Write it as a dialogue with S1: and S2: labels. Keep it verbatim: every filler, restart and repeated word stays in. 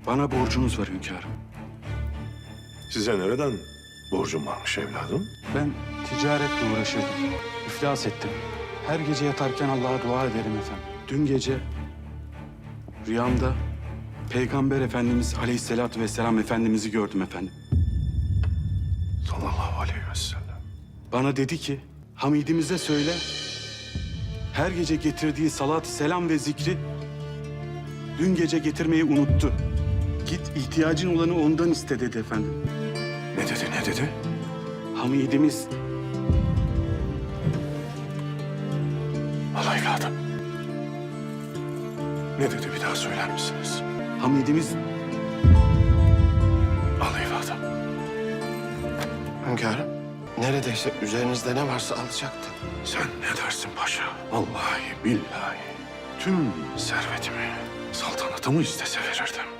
S1: Bana borcunuz var hünkârım.
S2: Size nereden borcum varmış evladım?
S1: Ben ticaretle uğraşırdım. İflas ettim. Her gece yatarken Allah'a dua ederim efendim. Dün gece rüyamda Peygamber Efendimiz Aleyhisselatü Vesselam Efendimiz'i gördüm efendim.
S2: Sallallahu aleyhi ve sellem.
S1: Bana dedi ki, Hamidimize söyle, her gece getirdiği salat, selam ve zikri dün gece getirmeyi unuttu. Git ihtiyacın olanı ondan iste dedi efendim.
S2: Ne dedi, ne dedi?
S1: Hamidimiz
S2: Al evladım. Ne dedi bir daha söyler misiniz?
S1: Hamidimiz
S2: Al evladım.
S3: Hünkârım, neredeyse üzerinizde ne varsa alacaktı.
S2: Sen ne dersin paşa? Vallahi billahi tüm servetimi, saltanatımı istese verirdim.